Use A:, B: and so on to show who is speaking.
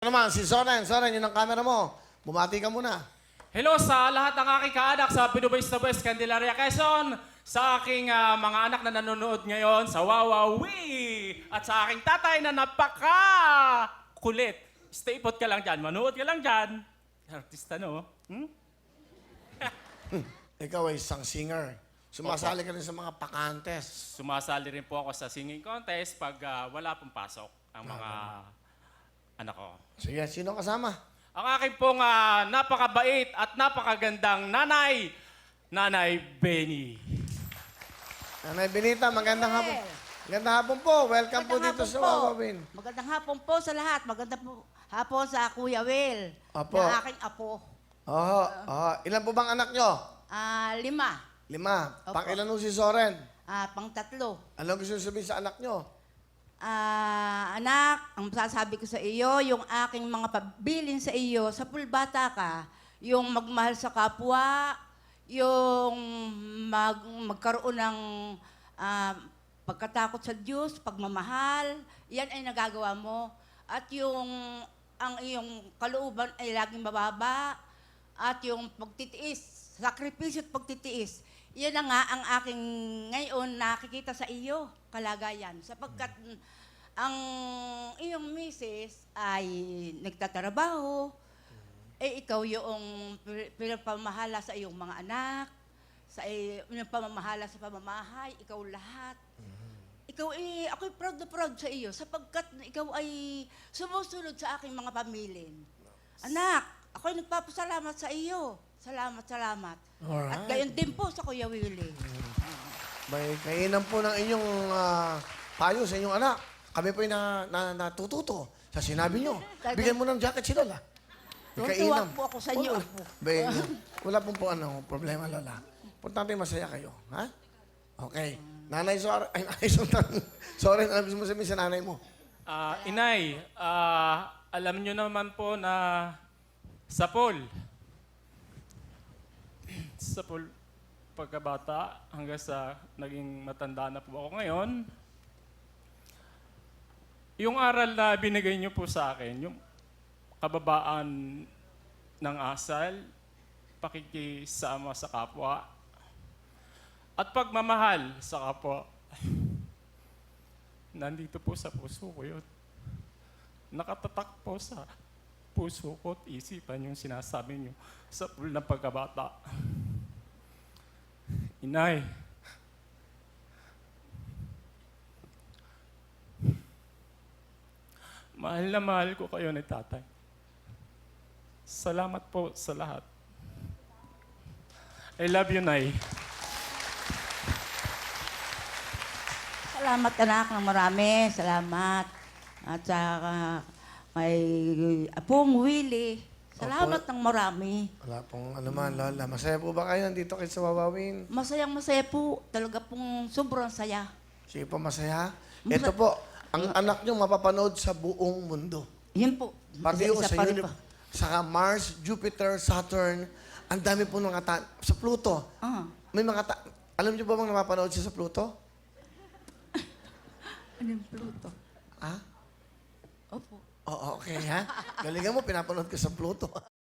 A: naman, si Soren. Soren, yun ang camera mo. Bumati ka muna.
B: Hello sa lahat ng aking kaanak sa Pinubay's na West, Candelaria, Quezon. Sa aking mga anak na nanonood ngayon sa Wawawi. At sa aking tatay na napaka-kulit. Stay put ka lang dyan. Manood ka lang dyan. Artista, no?
A: Ikaw ay isang singer. Sumasali ka rin sa mga pakantes.
B: Sumasali rin po ako sa singing contest pag wala pong pasok ang mga anak ko.
A: Sige, sino kasama?
B: Ang aking pong napakabait at napakagandang nanay, Nanay Benny.
A: Nanay Benita, magandang hapon. Magandang hapon po. Welcome po dito sa Wawawin.
C: Magandang hapon po sa lahat. Magandang hapon sa Kuya Will.
A: Apo.
C: Na aking apo.
A: Oo. Ilan po bang anak nyo?
C: 5.
A: 5.
C: Opo.
A: Pang-ilan po si Soren?
C: Pang-3.
A: Ano gusto nyo sabihin sa anak nyo?
C: Anak, ang sasabi ko sa iyo, yung aking mga pabilin sa iyo, sa pulbata ka, yung magmahal sa kapwa, yung magkaroon ng pagkatakot sa Diyos, pagmamahal, yan ay nagagawa mo. At ang iyong kalooban ay laging mababa, at yung pagtitiis, sakripisyo at pagtitiis, yan na nga ang aking ngayon nakikita sa iyo, kalagayan. Sapagkat ang iyong misis ay nagtatrabaho, ikaw yung pinapamahala sa iyong mga anak, yung pamamahala sa pamamahay, ikaw lahat. Ako'y proud na proud sa iyo sapagkat ikaw ay sumusunod sa aking mga pamilin. Anak, ako'y nagpapasalamat sa iyo. Salamat.
A: Alright.
C: At gayon din po sa Kuya Willie.
A: May kainan po ng inyong payo sa inyong anak. Kami po natututo sa sinabi nyo. Bigyan mo ng jacket si Lola. May
C: Tutuwa
A: kainan.
C: po ako sa inyo, Apo.
A: Wala pong problema, Lola. Importante masaya kayo. Ha? Okay. Nanay Soren, Soren, ano gusto mo sabihin sa nanay mo?
B: Inay, alam nyo naman po na sa pool, pagkabata hanggang sa naging matanda na po ako ngayon, yung aral na binigay niyo po sa akin, yung kababaan ng asal, pakikisama sa kapwa, at pagmamahal sa kapwa, nandito po sa puso ko yun. Nakatatak po sa puso ko at isipan yung sinasabi niyo sa pool ng pagkabata. Inay, mahal na mahal ko kayo ni tatay. Salamat po sa lahat. I love you, Nay.
C: Salamat anak ng marami. Salamat. At saka kay Apong Willie. Salamat ng marami.
A: Wala pong ano man, Lola. Masaya po ba kayo nandito kayo sa Wawawin?
C: Masayang-masaya po. Talaga pong sobrang saya.
A: Sige po, masaya. Ito po, ang anak nyo mapapanood sa buong mundo.
C: Yun po.
A: Pati yung
C: Isa-isa
A: sa
C: pa rin po.
A: saka Mars, Jupiter, Saturn, ang dami po ng sa Pluto. May mga alam niyo ba bang napapanood siya sa Pluto?
C: Ano yung Pluto?
A: Ha?
C: Opo.
A: Oo, okay ha? Galingan mo, pinapanood ka sa Pluto.